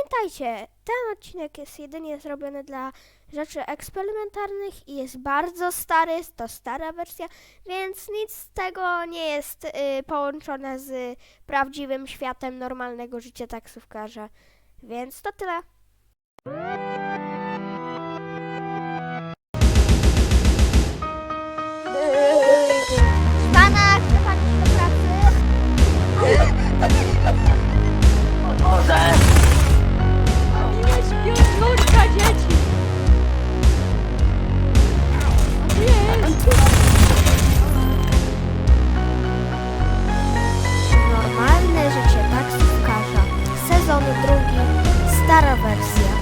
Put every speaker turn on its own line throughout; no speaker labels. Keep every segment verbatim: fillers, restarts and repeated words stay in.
pamiętajcie, ten odcinek jest jedynie zrobiony dla rzeczy eksperymentalnych i jest bardzo stary, jest to stara wersja, więc nic z tego nie jest y, połączone z prawdziwym światem normalnego życia taksówkarza. Więc to tyle. Pana, chce pan iść do pracy?
Boże!
Miłeś piątnurka dzieci! Jest!
Normalne życie taksówkarza. Sezon drugi. Stara wersja.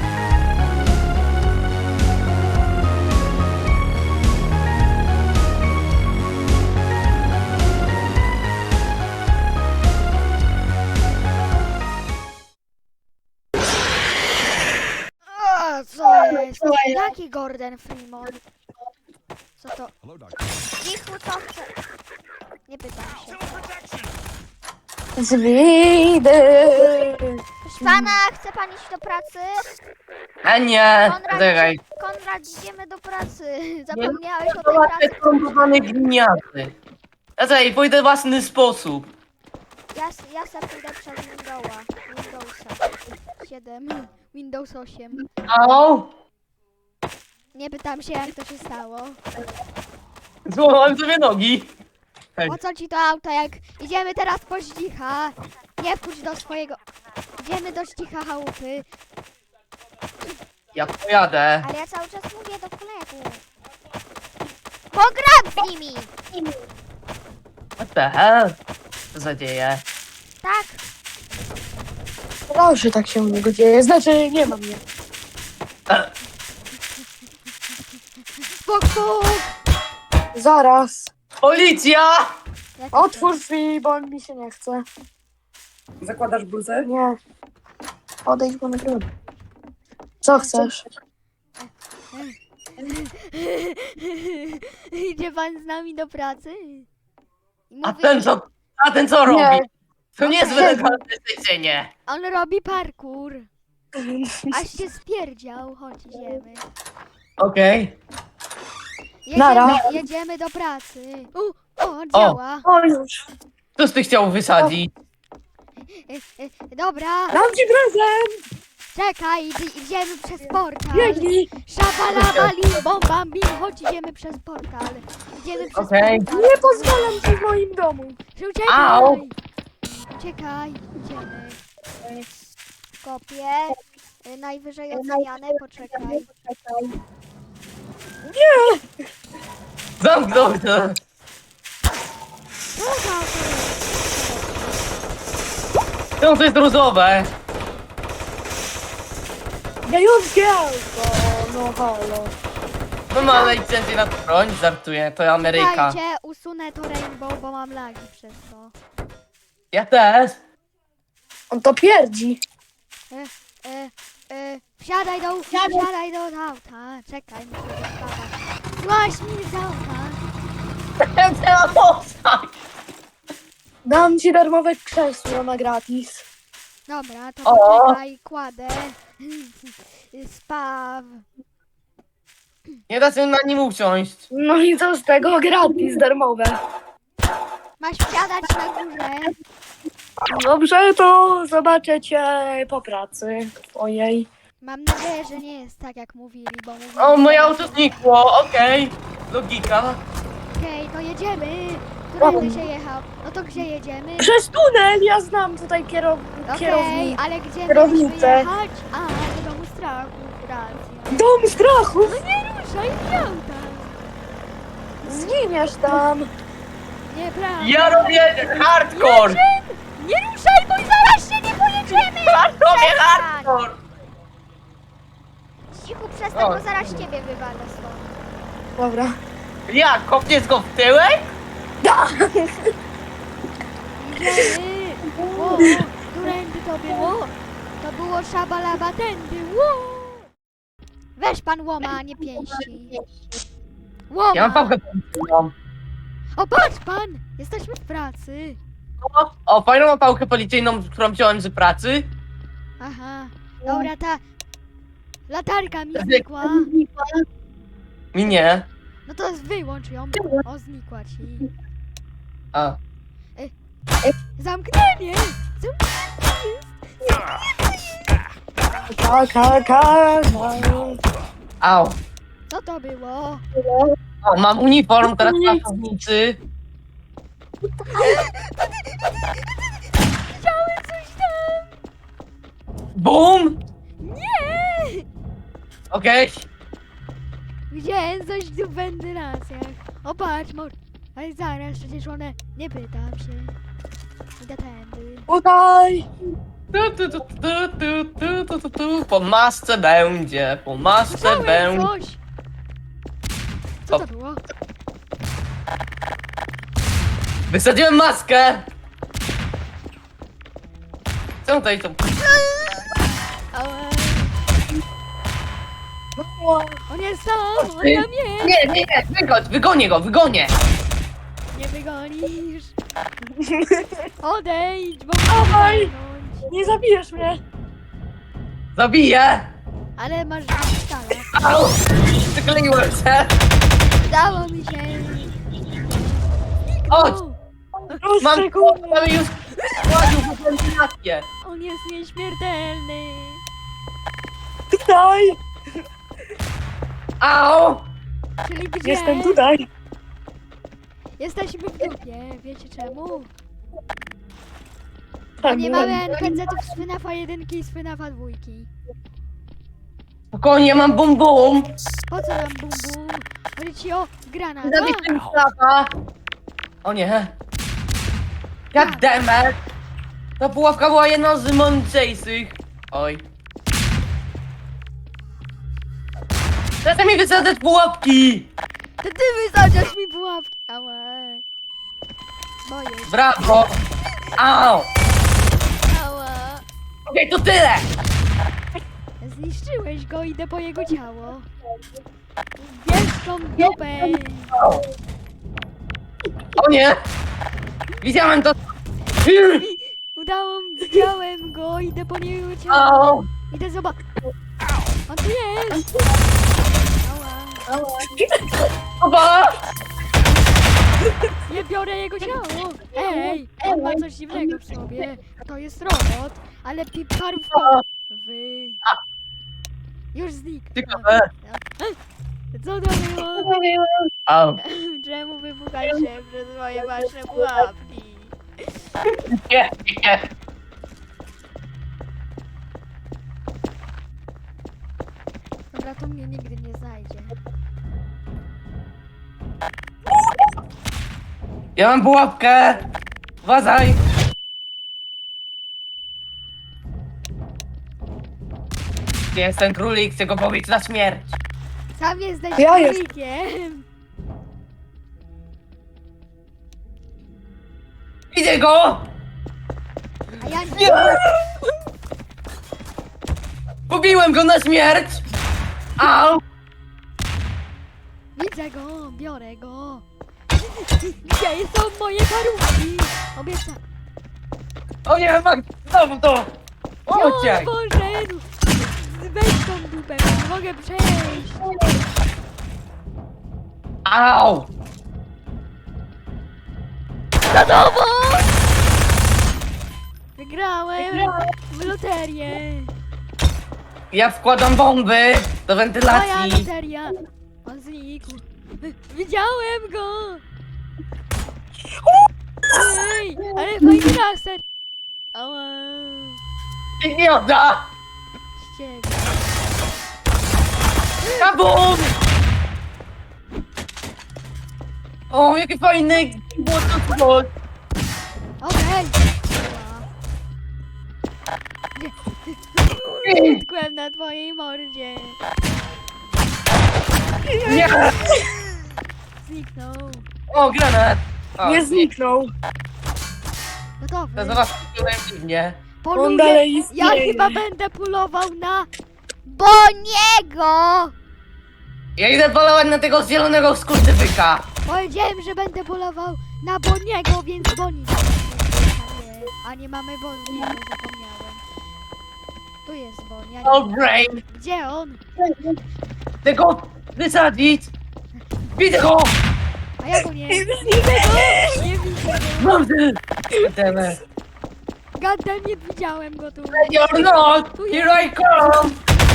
A, co jest? Jaki Gordon Freeman? Co to?
Cichu, co chce? Nie pytam się.
Zwidy!
Proszę pana, chce pan iść do pracy?
A nie!
Konrad,
Czekaj.
Konrad, idziemy do pracy. Zapomniałeś o tej
Zobaczcie
pracy.
skomplikowane gliniaty. Ja tutaj pójdę w własny sposób.
Ja, s- ja se pójdę przez Windowsa. Windowsa. siedem.
Windows osiem.
Au!
Nie pytam się, jak to się stało.
Złamałem sobie nogi. Hej.
Po co ci to auto, jak idziemy teraz po Zdzicha? Nie wchodź do swojego... Idziemy do Zdzicha chałupy.
Ja pojadę.
Ale ja cały czas mówię do kolegów. Pogram z nimi!
What the hell? Co za dzieje?
Tak,
Proszę, tak się u niego dzieje. Znaczy, nie mam mnie.
E,
Puk, puk!
Zaraz.
Policja!
Jak
Otwórz drzwi, bo mi się nie chce.
Zakładasz bluzę?
Nie. Odejdź, bo nagrywam. Co chcesz?
Idzie pan z nami do pracy? I
A
mówi,
ten co? A ten co
Nie.
robi? To niezłe legalne zlecenie.
On robi parkour. Aż się spierdział. Chodź, idziemy.
Okej.
Nara.
Jedziemy, jedziemy do pracy. U, o, działa.
O, już.
Coś ty chciał wysadzić?
E, e, dobra,
Dam ci prezent!
czekaj, idzie- idziemy przez portal.
Biegnij!
Szabalaba, lim, bom, bam, bim. Chodź, idziemy przez portal. Idziemy przez
Okej.
portal.
Nie pozwalam ci w moim domu.
Uciekaj.
Au.
Uciekaj, idziemy. Kopię. Y, Najwyżej oceniane, poczekaj.
Zamknął to.
Co za auto jest?
No to jest różowe.
Gająskie auto! No halo.
No ma licencję na broń, żartuję, to Ameryka.
Czekajcie, usunę to rainbow, bo mam lagi przez to.
Ja też.
On to pierdzi.
E, e, e, wsiadaj do, wsiadaj do auta. Czekaj, muszę dostawać. Złaź mi z auta.
Trzeba postać.
Dam ci darmowe krzesło na gratis.
Dobra, to
O.
poczekaj, kładę. Spaw.
Nie da się na nim usiąść.
No i co z tego? Gratis, darmowe.
Masz wsiadać na górze.
Dobrze, to zobaczę cię po pracy twojej.
Mam nadzieję, że nie jest tak, jak mówili, bo mówili...
O, moje auto znikło, okej. Logika.
Okej, to jedziemy. Którędy się jechał? No to gdzie jedziemy?
Przez tunel, ja znam tutaj kierow...
Okej,
kierownicę.
ale gdzie
kierownicę.
mieliśmy jechać? A, do domu strachu, racja.
Dom strachów!
Nie ruszaj z auta.
Zginiesz tam!
Nieprawda.
Ja robię hardcore.
Nie ruszaj, bo zaraz się nie pojedziemy.
Robię hardcore.
cichu, przestań,
O.
bo zaraz ciebie wywalę stąd.
Dobra.
Jak, kopniesz go w tyłek?
Idziemy. Ło, którędy to było? To było szabalaba tędy. Ło. Weź pan łoma, a nie pięści. Łoma.
Ja mam pałkę policyjną.
O, patrz pan! Jesteśmy w pracy.
O, o, fajną mam pałkę policyjną, którą wziąłem z pracy.
Aha. Dobra, ta latarka mi znikła.
Mi nie.
No to wyłącz ją. O, znikła ci.
A.
Zamknięcie!
Ka, ka, ka, ka.
Au.
Co to było?
O, mam uniform teraz pracownicy.
Widziałem coś tam!
Bum!
Nie!
Okej.
Widziałem coś tu w wentylacjach. O, patrz, mor... Ale zaraz, przecież one... Nie pytam się. Idę tędy.
Tutaj.
Tu, tu, tu, tu, tu, tu, tu, tu, tu. Po masce będzie, po masce
Widziałem
będzie.
coś! Co to było?
Wysadziłem maskę! Co tutaj to?
Ała. On jest tam! On tam jest!
Nie, nie, nie, wygodź, wygonię go, wygonię!
Nie wygonisz! Odejdź, bo
Dawaj.
muszę walnąć.
Nie zabijesz mnie.
Zabiję!
Ale masz stale.
Au! Przykleiłem się!
Udało mi się!
Chodź!
Proszę,
Mam
kurwa.
mam już wchodził w wentylację!
On jest nieśmiertelny!
Tutaj.
Au!
Czyli gdzie?
Jestem tutaj.
Jesteśmy w dupie, wiecie czemu? Bo
Tak,
nie
wiem.
mamy en pe ce ów z FNAFa jeden i z FNAFa dwa.
Spokojnie, mam bum bum!
Po co nam bum bum? Chodzi ci o granat.
Zabiję mi klapa! O nie! God damn it! Ta pułapka była jedną z mądrzejszych! Oj. Chcę mi wysadzać pułapki!
To ty wysadzasz mi pułapki! Ała. Boję się.
Brawo! Au!
Ała.
Okej, to tyle!
Zniszczyłeś go, idę po jego ciało. Bierz tą dupę.
O nie! Widziałem to!
Udało mi, widziałem go, idę po niego ciało.
Au!
Idę zobaczyć. On tu jest. Ała.
Oba!
Nie biorę jego ciało. Ej, on ma coś dziwnego w sobie. To jest robot, ale pi- parówka. Wy. Już zniknął.
Ciekawe.
Co to było?
Au!
Czemu wybuchaliście przez moje wasze pułapki?
Nie, nie!
Dobra, to mnie nigdy nie znajdzie.
Ja mam pułapkę! Uważaj! Gdzie jest ten królik? Chcę go pobić na śmierć!
Sam jesteś
Ja jest-
królikiem.
Widzę go!
A ja nie.
Nie! Pobiłem go na śmierć! Au!
Widzę go, biorę go. Gdzie są moje parówki? Obiecam.
O nie, Mag... Znowu to!
Gdzie on
Ociek!
poszedł? Weź tą dupę, nie mogę przejść.
Au!
Za tobą! Wygrałem w loterię.
Ja wkładam bomby do
Moja
wentylacji!
loteria. On znikł. Widziałem go. Ej, ale fajny laser. Ała.
Idiota!
Z ciebie.
Kabum! O, jakie fajne... What
Okej. Utkłem na twojej mordzie.
Nie!
Zniknął.
O, granat! O,
Nie zniknął.
Gotowy.
To zobacz, byłem dziwnie.
On
Poluję.
dalej
Ja
istnieje.
chyba będę polował na Boniego.
Ja idę polować na tego zielonego skurczybyka.
Powiedziałem, że będę polował na Boniego, więc Boni. A nie, a nie mamy Boniego, zapomniałem. Tu jest Bon, ja
No
nie...
brain!
Gdzie on?
Chcę go wysadzić! Widzę go!
A ja go nie... Nie widzę go! Nie widzę go!
Mam ty! Demet.
Gadem, nie widziałem go tu.
You're not! Here I come!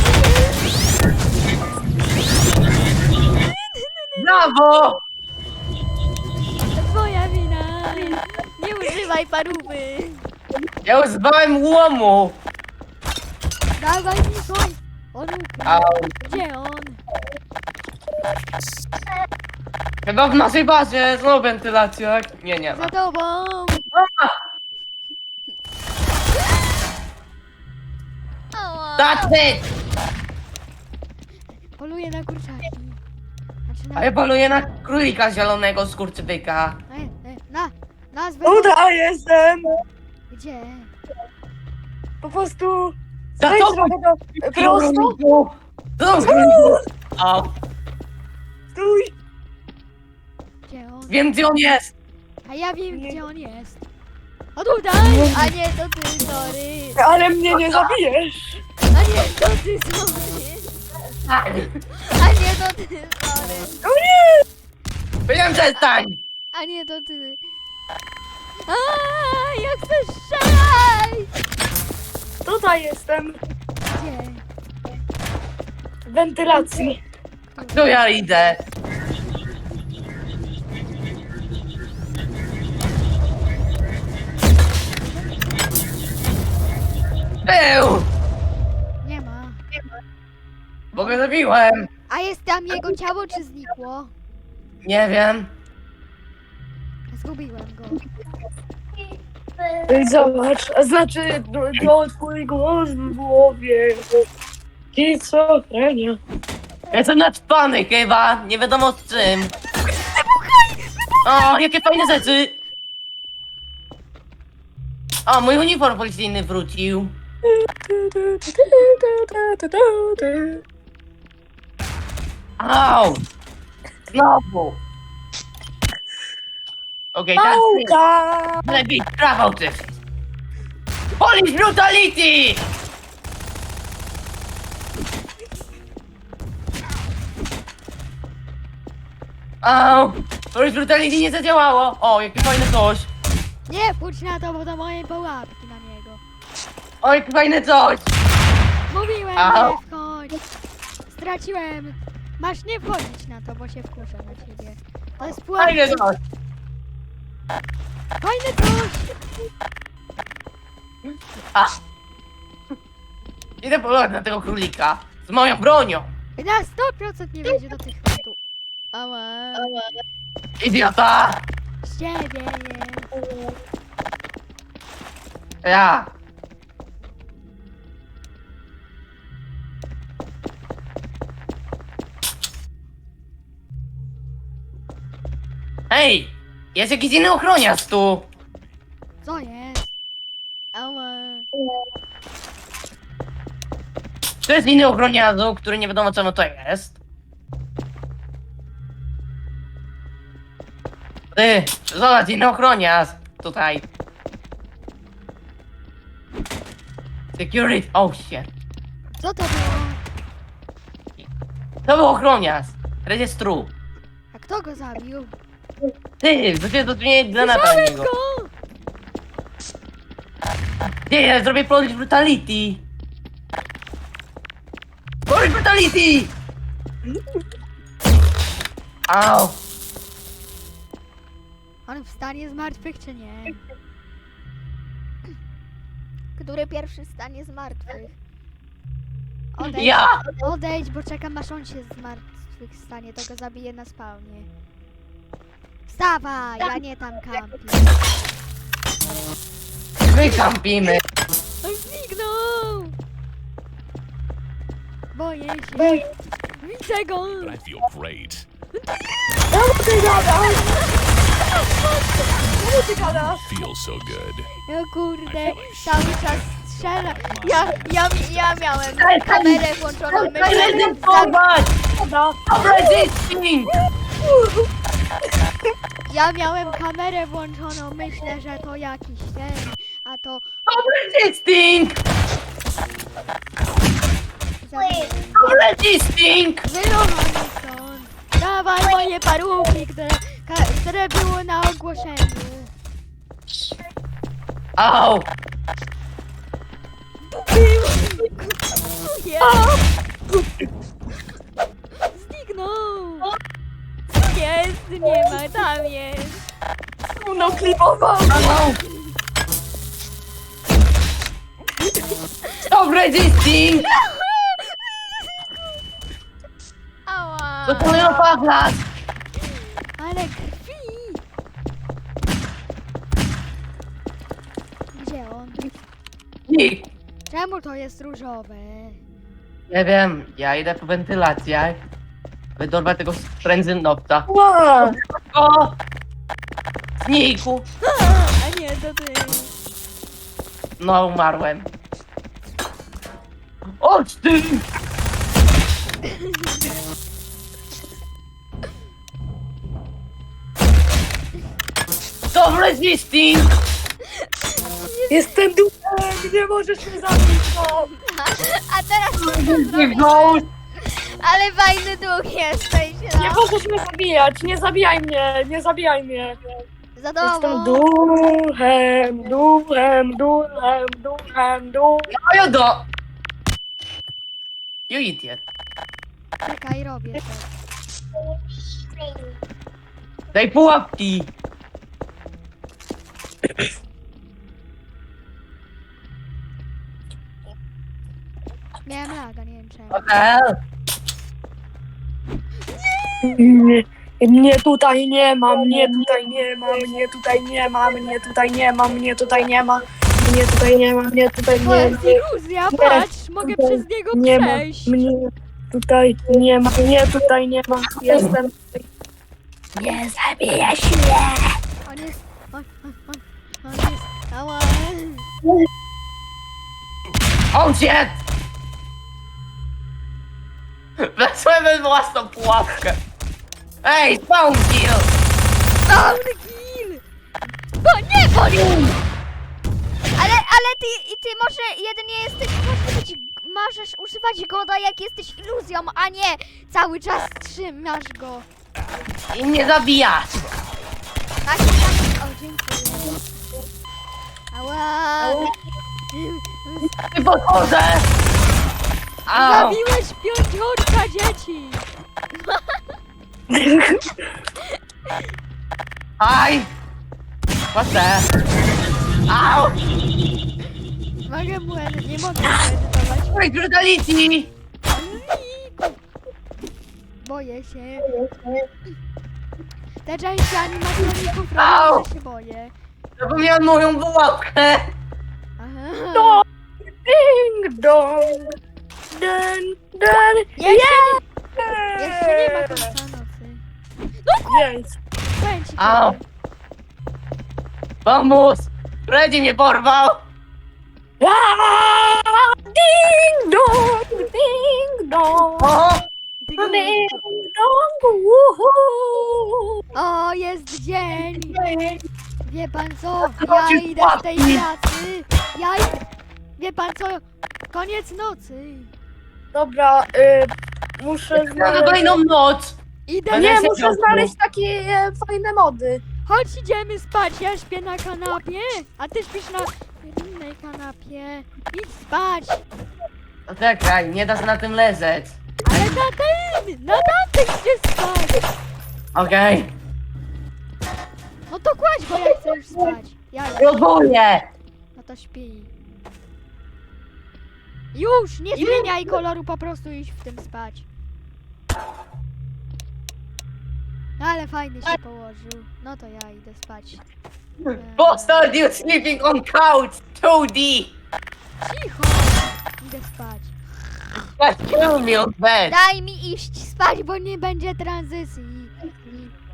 Brawo!
To twoja wina! Nie używaj parówy!
Ja używałem łomu!
Dawaj mi koń! On ukradł.
Au.
Gdzie on?
Chyba w naszej bazie, znowu wentylacja. Nie, nie ma.
Za tobą! Ała.
That's it!
Poluję na kurczaki. Znaczy na...
A ja poluję na królika zielonego skurczybyka.
E, e, na! Nazwę!
Uda, jestem!
Gdzie?
Po prostu...
Za
Zejdź
to
trochę do... Prosto?
Co za króliku? O,
Stój!
Gdzie on?
wiem gdzie on jest!
A ja wiem, gdzie on jest. O tutaj! A nie, to ty, sorry!
Ale mnie nie zabijesz!
A nie, to ty, sorry! A nie, to ty, sorry!
O nie!
Powiedziałem przestań!
A nie, to ty. A, ja chcę strzelać!
Tutaj jestem!
Gdzie?
W wentylacji.
Tu ja idę. Był!
Nie ma.
Bo go zabiłem.
A jest tam jego ciało, czy znikło?
Nie wiem.
Zgubiłem go.
Ej, zobacz, a znaczy to, to twój głos w głowie. Schizofrenia.
Ja jestem naćpany chyba, nie wiadomo z czym. O, jakie fajne rzeczy! O, mój uniform policyjny wrócił. Au! Znowu! Okej, teraz ty.
Pałka!
Lepiej prawo ty! Police brutality! Au! Police brutality nie zadziałało! O, jakie fajne coś!
Nie, pójdź na to, bo to moje pułapki na niego.
O, jakie fajne coś!
Mówiłem,
Au.
nie wchodź. Straciłem. Masz nie wchodzić na to, bo się wkurzę na ciebie. To jest pułapka.
Fajne coś!
Fajne coś.
A! Idę polować na tego królika z moją bronią!
Na sto procent nie wejdzie do tych chwytów. Ała.
Idiota!
Z ciebie jest.
Ja! Hej! Jest jakiś inny ochroniarz tu!
Co jest? Ała.
To jest inny ochroniarzu, który nie wiadomo co to jest. Ty! Zobacz, inny ochroniarz! Tutaj. Security! Oh shit!
Co to było?
To był ochroniarz! Rejestru!
A kto go zabił?
Ty! Zaczęło to nie granata na
Zabiłem
niego!
go!
Nie, ja zrobię police brutality! Police brutality! Au!
On wstanie z martwych, czy nie? Który pierwszy stanie z martwych? Odejdź,
Ja!
odejdź, bo czekam aż on się z martwych stanie, to go zabiję na spawnie. Wstawaj, ja nie tam kampię.
My kampimy!
On zniknął! Boję się. Widzę go!
I feel great.
Czemu ty gadasz? Czemu ty gadasz?
Feel so good.
No kurde, cały czas strzela. Ja, ja, ja miałem kamerę włączoną, myślę, że
Rezystować! Resisting!
ja miałem kamerę włączoną, myślę, że to jakiś ten, a to
Resisting! resisting!
Wyruchamy stąd. Dawaj moje parówki, które, ka, które było na ogłoszeniu.
Au!
Zniknął. Tu jest, nie ma, tam jest.
No klipował!
Au! Stop resisting!
Ała.
To moją pachlas!
Ale krwi. Gdzie on?
Nikt.
Czemu to jest różowe?
Nie wiem, ja idę po wentylacjach. Wydorwę tego sprędzynowca.
Ła!
O! Zniku!
A nie, to ty.
No, umarłem. Chodź ty! Stop resisting!
Jestem duchem! Nie możesz mnie zabić! No.
A teraz
Nie ghost!
ale fajny duch jesteś,
Nie
no.
możesz mnie zabijać! Nie zabijaj mnie! Nie zabijaj mnie!
Za
Jestem
domu.
duchem! Duchem! Duchem! Duchem! Duchem!
No ja do... You idiot.
Czekaj, robię to.
Daj pułapki!
Miałem laga, nie wiem czemu.
Okej.
Nie, mnie tutaj nie ma, mnie tutaj nie ma, mnie tutaj nie ma, mnie tutaj nie ma, mnie tutaj nie ma, mnie tutaj nie ma, mnie tutaj
To
nie
jest
ma,
iluzja, patrz, mogę
tutaj
przez niego
nie ma,
przejść.
mnie tutaj nie ma, mnie tutaj nie ma, jestem. Nie zabijaj się!
On jest, on, on, on, on jest, ała.
Oh shit! Weszłem we własną pułapkę! Ej, spawn kill!
Down kill! Bo nie, bo nie! Ale, ale ty, i ty może jedynie jesteś, możesz, być, możesz używać goda jak jesteś iluzją, a nie cały czas trzymasz go.
I mnie zabijasz!
Tak, tak, o dziękuję. Ała!
Ty podchodzę! Au!
Zabiłeś piąciorka dzieci!
Hi! What's that? Au!
Mogę mu, edy- nie mogę mu edytować.
Wait, brutality!
Boję się. Te części animatroników
Au!
robią, że się boję.
Zapomniałem moją pułapkę!
Aha.
No! Ding dong! Den, den!
Jeszcze, nie, jeszcze nie ma końca nocy.
Jest!
Powiem ci
Au!
kiedy.
Pomóż! Freddy mnie porwał!
Aaa! Ding dong! Ding dong!
O!
Ty go-
Ding dong! Woohoo!
O, jest dzień! Wie pan co? Ja
Chodzi
idę z tej
płatki.
pracy. Ja idę. Wie pan co? Koniec nocy.
Dobra, y, muszę
Na
znaleźć...
kolejną noc!
Idę.
Będę
Nie,
siedział
muszę
tu.
znaleźć takie e, fajne mody.
Chodź, idziemy spać. Ja śpię na kanapie, a ty śpisz na innej kanapie. Idź spać.
No czekaj, nie da się na tym leżeć.
Ale na tym! Na tamtym gdzie spać!
Okej?
No to kładź, bo ja chcę już spać. Ja już.
Próbuję!
No to śpi. Już! Nie zmieniaj koloru, po prostu idź w tym spać. No ale fajny się położył. No to ja idę spać. Eee,
Bastard, you sleeping on couch! two D!
Cicho! Idę spać.
Just kill me on bed!
Daj mi iść spać, bo nie będzie tranzycji.